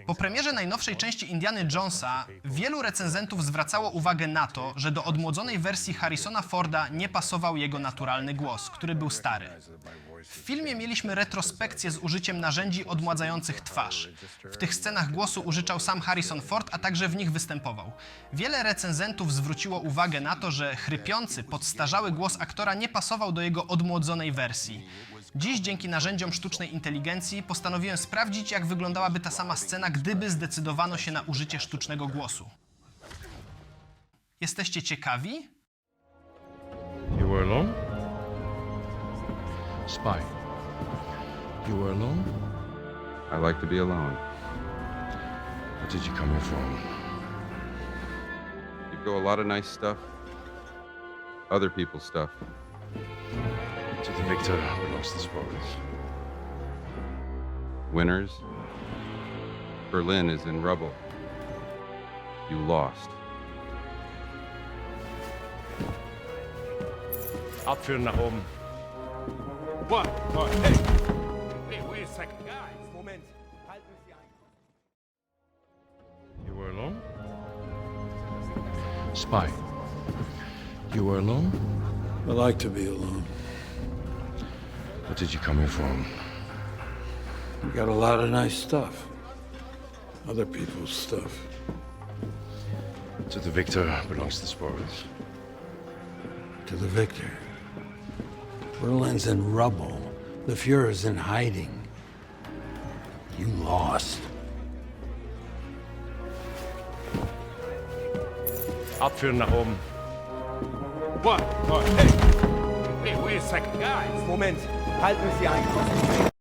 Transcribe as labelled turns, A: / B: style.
A: Po premierze najnowszej części Indiany Jonesa wielu recenzentów zwracało uwagę na to, że do odmłodzonej wersji Harrisona Forda nie pasował jego naturalny głos, który był stary. W filmie mieliśmy retrospekcję z użyciem narzędzi odmładzających twarz. W tych scenach głosu użyczał sam Harrison Ford, a także w nich występował. Wiele recenzentów zwróciło uwagę na to, że chrypiący, podstarzały głos aktora nie pasował do jego odmłodzonej wersji. Dziś dzięki narzędziom sztucznej inteligencji postanowiłem sprawdzić, jak wyglądałaby ta sama scena, gdyby zdecydowano się na użycie sztucznego głosu. Jesteście ciekawi?
B: You were alone? Spy. You were alone?
C: I like to be alone.
B: What did you come here for?
C: You go a lot of nice stuff, other people's stuff.
B: To the victor belongs the spoils.
C: Winners. Berlin is in rubble. You lost.
B: Abführen nach oben.
D: What? Oh, hey! Hey, wait a second. Guys, Moment. Halten Sie ein.
B: You were alone? Spy. You were alone?
E: I like to be alone.
B: What did you come here for?
E: You got a lot of nice stuff. Other people's stuff.
B: To the victor belongs the spoils.
E: To the victor. Berlin's in rubble. The Fuhrer's in hiding. You lost.
B: Abführen nach oben.
D: What? Oh, hey! Hey, wait a second. Guys, Moment. Halten Sie ein.